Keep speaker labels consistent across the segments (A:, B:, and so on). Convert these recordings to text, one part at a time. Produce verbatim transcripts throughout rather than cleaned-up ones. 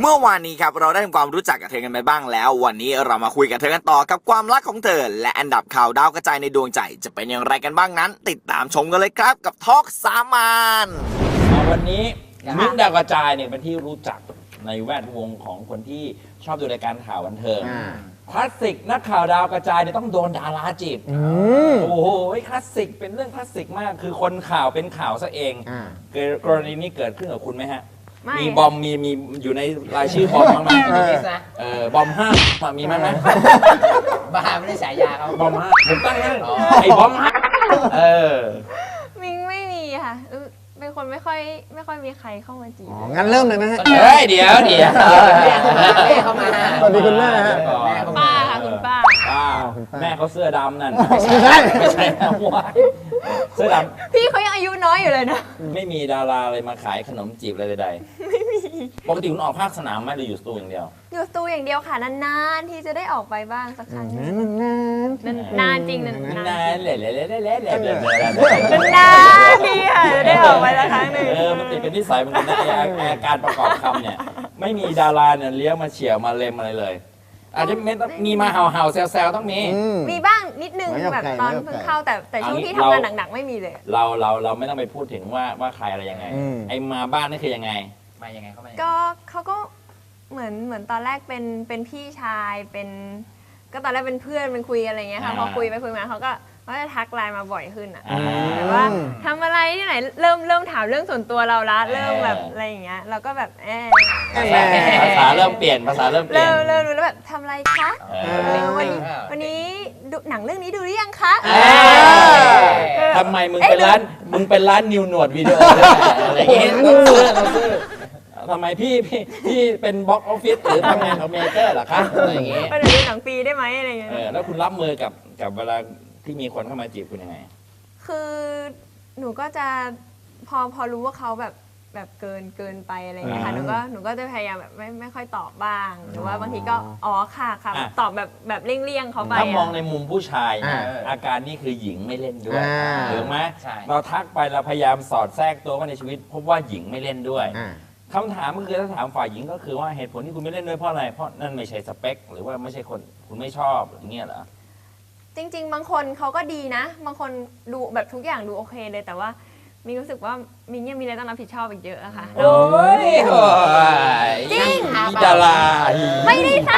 A: เมื่อวานนี้ครับเราได้ทำความรู้จักกับเธอกันไปบ้างแล้ววันนี้เรามาคุยกับเธอกันต่อกับความรักของเธอและอันดับข่าวดาวกระจายในดวงใจจะเป็นอย่างไรกันบ้างนั้นติดตามชมกันเลยครับกับทอล์กสามาน
B: วันนี้มิ้นท์ดาวกระจายเนี่ยเป็นที่รู้จักในแวดวงของคนที่ชอบดูรายการข่าวบันเทิงคลาสสิกนักข่าวดาวกระจายเนี่ยต้องโดนดาราจีบโอ้โหคลาสสิกเป็นเรื่องคลาสสิกมากคือคนข่าวเป็นข่าวซะเองกรณีนี้เกิดขึ้นกับคุณไหมฮะมีบอมมีมีอยู่ในรายชื่อบอมมั้งไหมเออบอมห้ามีมั้งไหม
C: บ้าไม่ได้ฉายาเขา
B: บอมห้าผมตั้งให้ไอ้บอมห้าเออ
D: มิงไม่มีค่ะเป็นคนไม่ค่อยไม่ค่อยมีใครเข้ามาจีบ
E: อ๋องั้นเริ่มเลยไหมฮะ
B: เฮ้ยเดี๋ยวเดี๋ยว
C: แม่เข้ามา
E: สวัสดีคุณแม่ฮะ
D: ป้าค่ะคุณป้า
B: ป้าแม่เขาเสื้อดำนั่น
E: ไม่ใช่
B: ไม่ใช่เสื้อด
D: ำพี่เขายังอายุน้อยอยู่เลยนะ
B: ไม่มีดาราเลยมาขายขนมจีบอะไรใดๆไม่มีปกติคุณออกภาคสนามไหมหรืออยู่สตูอย่างเดียว
D: อยู่สตูอย่างเดียวค่ะนานๆที่จะได้ออกไปบ้างสักครั้ง
E: นาน
D: ๆนานจริงนาน
B: นานเล่เล่เล่เล่เล่เล่เล่
D: นานดีค่ะได้ออกไปสักครั้งหนึ่ง
B: เออมันติดเป็นนิสัยเหมือนกันนะอาการประกอบคำเนี่ยไม่มีดาราเนี่ยเลี้ยงมาเฉี่ยวมาเล็มอะไรเลยอาจจะมีมาเห่าเห่าแซวแซวต้องมี
D: มีบ้างนิดนึงแบบตอนเพิ่งเข้าแต่แต่ช่วงที่ทำงานหนักๆไม่มีเลย
B: เราเราเราไม่ต้องไปพูดถึงว่าว่าใครอะไรยังไงไอ้มาบ้านนี่คือยังไง
C: มายังไงเขามา
D: ก็เขาก็เหมือนเหมือนตอนแรกเป็นเป็นพี่ชายเป็นก็ตอนแรกเป็นเพื่อนเป็นคุยอะไรเงี้ยค่ะพอคุยไปคุยมาเขาก็เขาจะทักไลน์มาบ่อยขึ้นอ่ะแต่ว่าทำอะไรที่ไหนเริ่มเริ่มถามเรื่องส่วนตัวเราละเริ่มแบบอะไรอย่างเงี้ยเราก็แบบเออ
B: ภาษาเริ่มเปลี่ยนภาษาเริ่มเปลี่ยน
D: เริ่มรู้แล้วแบบทำอะไรคะวันนี้วันนี้ดูหนังเรื่องนี้ดูหรือยังคะ
B: ทำไมมึงเป็นร้านมึงเป็นร้านนิวหนวดวิดีโออะไรอย่างเงี้ยทำไมพี่พี่พี่เป็นบ็อกออฟฟิศหรือทำงานของเมเจอร์เหรอคะอะไรอย่างเงี้ย
D: ก็เลยดูหนังฟรีได้ไหมอะไรเงี้ย
B: แล้วคุณรับมือกับกับเวลาที่มีคนเข้ามาจีบคุณยังไง
D: คือหนูก็จะพอพอรู้ว่าเขาแบบแบบเกินเกินไปอะไรเงี้ยค่ะหนูก็หนูก็จะพยายามแบบไม่ไม่ค่อยตอบบ้างหรือว่าบางทีก็อ๋อค่ะค่ะตอบแบบแบบเลี่ยงๆเขาไป
B: ถ้ามองในมุมผู้ชายอาการนี่คือหญิงไม่เล่นด้วยถูกไหมเราทักไปเราพยายามสอดแทรกตัวเข้าในชีวิตพบว่าหญิงไม่เล่นด้วยคำถามก็คือถ้าถามฝ่ายหญิงก็คือว่าเหตุผลที่คุณไม่เล่นด้วยเพราะอะไรเพราะนั่นไม่ใช่สเปคหรือว่าไม่ใช่คนคุณไม่ชอบอย่างเงี้ยเหรอ
D: จริงๆบางคนเขาก็ดีนะบางคนดูแบบทุกอย่างดูโอเคเลยแต่ว่ามีรู้สึกว่ามินยังมีอะไรต้องรับผิดชอบอีกเยอะอะค่ะ
B: โอ้ย
D: จริง
B: ดารา
D: ไม่ได้ซ้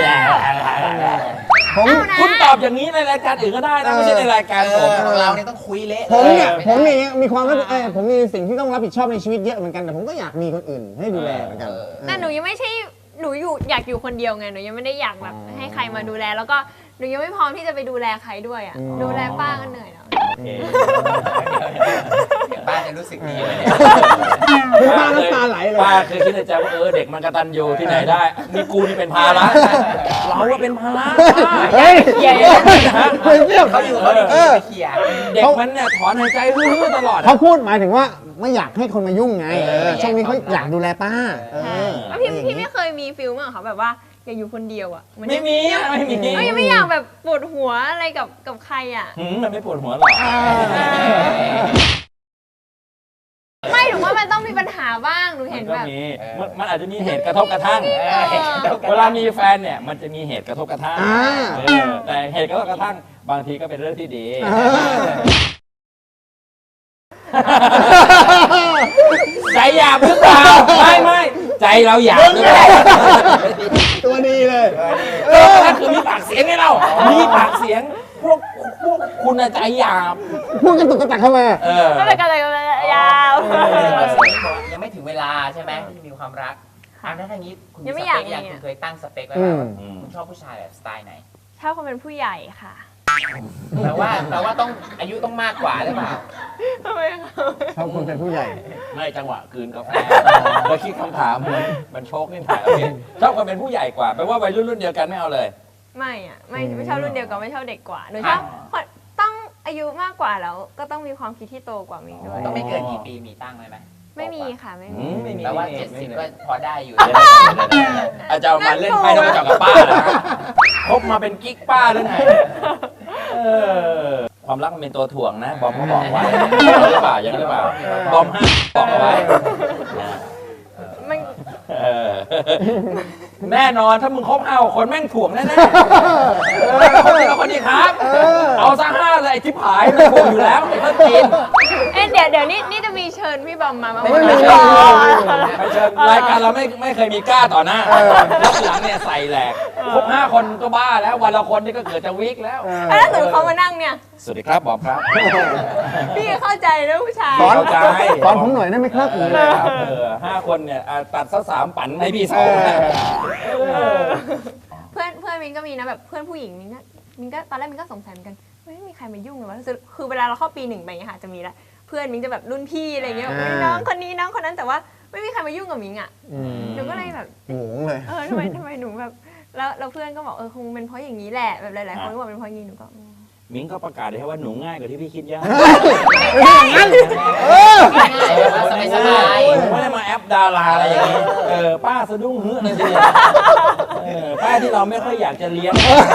B: ำผมคุณตอบอย่างนี้ในรายการอื่นก็ได้นะไม่ใช่ในรายการผม
C: เราเนี่ยต้องคุยเละ
E: ผมเนี่ยผมมีมีความรับผมมีสิ่งที่ต้องรับผิดชอบในชีวิตเยอะเหมือนกันแต่ผมก็อยากมีคนอื่นให้ดูแลเหมือนกัน
D: แต่หนูยังไม่ใช่หนูอยู่อยากอยู่คนเดียวไงหนูยังไม่ได้อยากแบบให้ใครมาดูแลแล้วก็หนูยังไม่พร้อมที่จะไปดูแลใครด้วยอ่ะดูแลป้าก็เหนื่อยแล้ว
C: ป้าจะรู้สึกดีไหม
E: เนี่ยป้าน้ำตาไหลเลย
B: ป้าคือคิดในใจว่าเออเด็กมันกตัญญูที่ไหนได้มีกูนี่เป็นภาระเราว่าเป็นภาระ
E: เฮ้ย
B: ใหญ่
E: นะ
C: เขาอยู่เขาดีเขี่ย
B: เด็กมันเนี่ยถอนหายใจรื้อตลอด
E: เขาพูดหมายถึงว่าไม่อยากให้คนมายุ่งไงช่วงนี้เขาอยากดูแลป้า
D: พี่พี่ไม่เคยมีฟิลมั้งเขาแบบว่าอยากอยู่คนเดียวอ่ะ
B: ไม่มีไม่มี
D: ก็ยังไม่อยากแบบปวดหัวอะไรกับกับใครอ่ะ
B: มันไม่ปวดหัวหรอก
D: ไม่หนูว่ามันต้องมีปัญหาบ้างหนูเห็นแบบ
B: มันอาจจะมีเหตุกระทบกระทั่งเวลามีแฟนเนี่ยมันจะมีเหตุกระทบกระทั่งแต่เหตุกระทบกระทั่งบางทีก็เป็นเรื่องที่ดีใจหยาบหรือเปล่าไม่ไม่ใจเราหยาบหรือเปล่า
E: ตัวดีเลย
B: นั่นคือมีปากเสียงไงเรามีปากเสียงพวกพวกคุณใจหยาบ
E: พูดกันตุกกระตักเข้ามา
D: ก็เลยกันเลยยาว
C: ยังไม่ถึงเวลาใช่ไหมที่มีความรักอันนั้นอย่างนี้คุณมีสเปคอย่างคุณเคยตั้งสเปคไว้ว่าคุณชอบผู้ชายแบบสไตล์ไหน
D: ชอบคนเป็นผู้ใหญ่ค่ะ
C: แต่ว่าแต่ว่าต้องอายุต้องมากกว่าหรือเปล่า
D: ทำไม
E: ชอบคนเป็นผู้ใหญ่
B: ไม่จังหวะคืนกาแฟแล้วคิดคำถามมันมันโชคนี่ถ่ายชอบคนเป็นผู้ใหญ่กว่าแปลว่าวัยรุ่นรุ่นเดียวกันไม่เอาเลย
D: ไม่อ่ะไม่ไม่ชอบรุ่นเดียวกันไม่ชอบเด็กกว่าหนูชอบต้องอายุมากกว่าแล้วก็ต้องมีความคิดที่โตกว่ามิงด้วย
C: ต้องไม่เกินกี่ปีมีตั้งเลยไหม
D: ไม่มีค่ะไม่มี
C: แต่ว่าเจ็ดสิบก็พอได้อยู่
B: อาจารย์มาเล่นไพ่ต้องจับกับป้าเหรอคบมาเป็นกิ๊กป้าหรือไงความรักมันเป็นตัวถ่วงนะบอมเขาบอกไว้ยังหรือเปล่ายังหรือเปล่าบอมห้าบอกเอาไว้แน่นอนถ้ามึงคบห้าคนแม่งถ่วงแน่ๆเออคนนี้กับคนนี้ครับ เอาซะห้าเลยไอ้ที่ผายมันถ่วงอยู่แล้วไอ้ต้นจีน
D: เอ๊ะเดี๋ยวเดี๋ยวนี่นี่จะมีเชิญพี่บอมมาบ้างไห
E: ไม่มี
D: อ๋อ
B: ไม่เชิญรายการเราไม่ไม่เคยมีกล้าต่อหน้ารับหลังเนี่ยใส่แหลกครบห้าคนก็บ้าแล้ววันละคนนี่ก็เกิดจะวิกแล้ว
D: เอ้ยแล้วถ้าสมมติเขามานั่งเนี่ย
B: สวัสดีครับบอมครับ
D: พี่เข้าใจนะผู้ชาย
E: สอน
B: เข้าใจ
E: สอนผมหน่อยได้ไหมครับ
B: เออครับเออห้าคนเนี่ยอ่ะตัดสักสามปั่นให้พี่สองนะเออ
D: เพื่อนเพื่อนมินก็มีนะแบบเพื่อนผู้หญิงมินก็มินก็ตอนแรกมินก็สงสัยเหมือนกันไม่มีใครมายุ่งเลยวะคือคือเวลาเราเข้าปีหนึ่งไปอย่างเงี้ยค่ะจะมีละเพื่อนมินจะแบบรุ่นพี่อะไรเงี้ยอุ๊ยน้องคนนี้น้องคนนั้นแต่ว่าไม่มีใครมายุ่งกับมินอ่ะ
E: อืม
D: หนูก็เลยแบบ
E: งงเลย
D: เออทำไมทำไมหนูแบบแล้วแล้วเพื่อนก็บอกเออคงเป็นเพราะอย่างนี้แหละแบบหลายๆคนก็บอกเป็นเพราะอย่างนี้หนูก็อืม
B: มิ้งก็ประกาศเลยว่าหนูง่ายกว่าที่พี่คิดเยอะ
E: เออ
C: ง่ายๆแบบว่าสบาย
B: ผมไม่ได้มาแอปดาราอะไรอย่างนี้เออป้าสะดุ้งเฮือกเลยทีเดียวเออป้าที่เราไม่ค่อยอยากจะเลี้ยง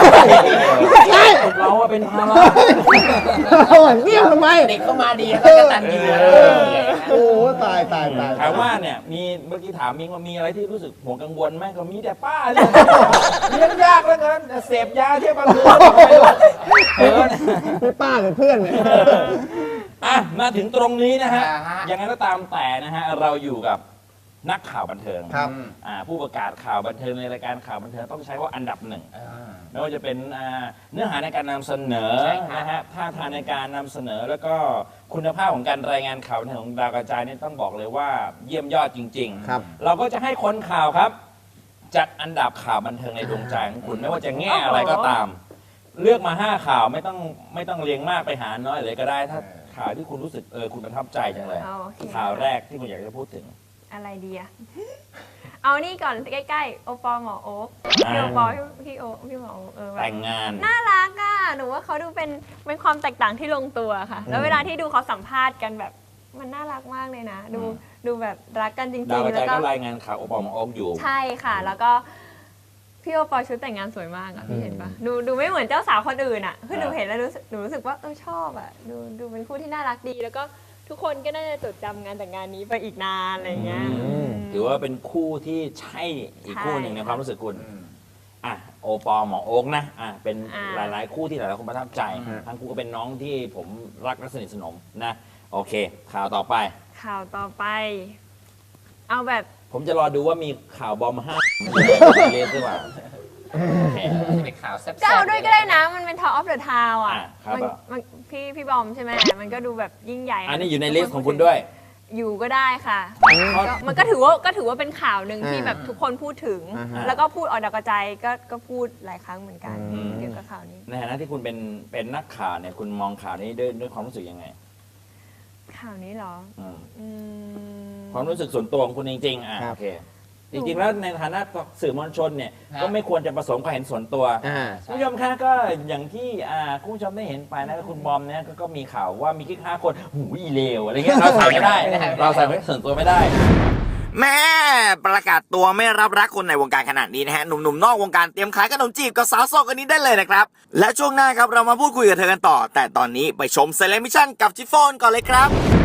B: เราว่าเป็นภาระ
E: เอาอ่ะเงียบทำไม
C: ๆเด็กเข้ามาดีแล้วก็ตันยูนะ
E: โอ้ตายตายตาย
B: ถามว่าเนี่ยมีเมื่อกี้ถามมิ้งว่ามีอะไรที่รู้สึกห่วงกังวลไหมก็มีแต่ป้าเนี่ยเลี้ยงยากแล้วกันเสพยาเที่ยวกลางคืนเออ
E: พี่ป้าหรือเพื่อนเนี่ย
B: อ่ะมาถึงตรงนี้นะฮะ
C: อ่าฮะ
B: ยังไงก็ตามแต่นะฮะเราอยู่กับนักข่าวบันเทิง
E: ครับ
B: อ่าผู้ประกาศข่าวบันเทิงในรายการข่าวบันเทิงต้องใช้ว่าอันดับหนึ่ง ไม่ว่าจะเป็นอ่าเนื้อหาในการนำเสนอ
C: ใช่ค่ะ
B: นะฮะท่าทางในการนำเสนอแล้วก็คุณภาพของการรายงานข่าวของดาวกระจายนี่ต้องบอกเลยว่าเยี่ยมยอดจริง
E: ครับ
B: เราก็จะให้คนข่าวครับ จัดอันดับข่าวบันเทิงในดวงใจของคุณไม่ว่าจะแง่อะไรก็ตาม เลือกมาห้าข่าวไม่ต้องไม่ต้องเรียงมากไปหาน้อยเลยก็ได้ ถ้าข่าวที่คุณรู้สึกเออคุณประทับใจจังเลย
D: เอาโอเค
B: ข่าวแรกที่คุณอยากจะพูดถึง
D: อะไรดีอะ เอานี่ก่อนใกล้ๆโอปอหมอโอ๊คพี่โอปอพี่พี่โอพี่หมอโอ๊คเออแบบ
B: แต่งงาน
D: น่ารักอะหนูว่าเขาดูเป็นเป็นความแตกต่างที่ลงตัวค่ะ แล้วเวลาที่ดูเขาสัมภาษณ์กันแบบมันน่ารักมากเลยนะ ดู
B: อืม
D: ดูแบบรักกันจริ
B: ดาว
D: ง
B: ก
D: ๆ
B: ระ
D: แล้
B: จายว
D: ก็
B: ก็รายงานข่าวโอปอลมาโอ๊กอยู่
D: ใช่ค่ะ แล้วก็พี่โอปอชุดแต่งงานสวยมากอะพี่เห็นปะดูดูไม่เหมือนเจ้าสาวคนอื่นอะคือหนูเห็นแล้วรู้สึกหนูรู้สึกว่าเออชอบอะดูดูเป็นคู่ที่น่ารักดี แล้วก็ทุกคนก็น่าจะจดจำงานแต่งงานนี้ไปอีกนานอะไรอย่างเงี้ย
B: อืม ถือว่าเป็นคู่ที่ใช่อีกคู่หนึ่งในความรู้สึกคุณ อ่ะโอปอลหมอโอ๊กนะอ่ะเป็น
D: อ่า
B: หลายๆ คู่ที่หลายๆคนประทับใจ
E: อืม
B: ทั้งคู่ก็เป็นน้องที่ผมรักและสนิทสนมนะ โอเค ข่าวต่อไป
D: ข่าวต่อไป เอาแบบ
B: ผมจะรอดูว่ามีข่าวบอมห้าเรียนหรือเปล่าโอเค
C: จะเป็นข่าวแซ่บๆ
D: เจ้าด้วยก็ได้นะ มันเป็น Talk of the Town อ่ะ
B: อ่ะครับ
D: มัน
B: อ่ะ
D: มันพี่พี่บอมใช่ไหมมันก็ดูแบบยิ่งใหญ่
B: อันนี้อยู่ในลิสต์ของคุณด้วย
D: อยู่ก็ได้ค่ะ
B: เพราะ
D: ก็มันก็ถือว่าก็ถือว่าเป็นข่าวหนึ่งที่
E: อ่า
D: แบบทุกคนพูดถึง
E: อ่าฮะ
D: แล้วก็พูดออกดาวกระจายก็ก็พูดหลายครั้งเหมือนกัน
E: อืม
D: เกี่ยวกับข่าวนี้
B: ในฐานะที่คุณเป็นเป็นนักข่าวเนี่ยคุณมองข่าวนี้ด้วยด้วยความรู้สึกยังไง
D: ข่าวนี้เหรอ
B: อืม
D: อืม
B: ความรู้สึกส่วนตัวของคุณจริงๆอ่ะ
E: ครับ
B: โอเค จริงๆแล้วในฐานะสื่อมวลชนเนี่ย
C: ฮะ
B: ก็ไม่ควรจะผสมความเห็นส่วนตัว
E: อ่า
B: คุณผู้ชมคะก็อย่างที่อ่าคุณผู้ชมได้เห็นไปนะคุณบอมเนี่ยก็ก็มีข่าวว่ามีกิ๊กห้าคนหูยเลวอะไรเงี้ยเราใส่ไม่ได้ เราใส่ไม่ส่วนตัวไม่ได้
A: แม่ประกาศตัวไม่รับรักคนในวงการขนาดนี้นะฮะหนุ่มๆนอกวงการเตรียมขายขนมจีบกับสาวโสดกันนี้ได้เลยนะครับ และช่วงหน้าครับเรามาพูดคุยกับเธอกันต่อ แต่ตอนนี้ไปชมเซเลมิชั่นกับจิฟฟอนก่อนเลยครับ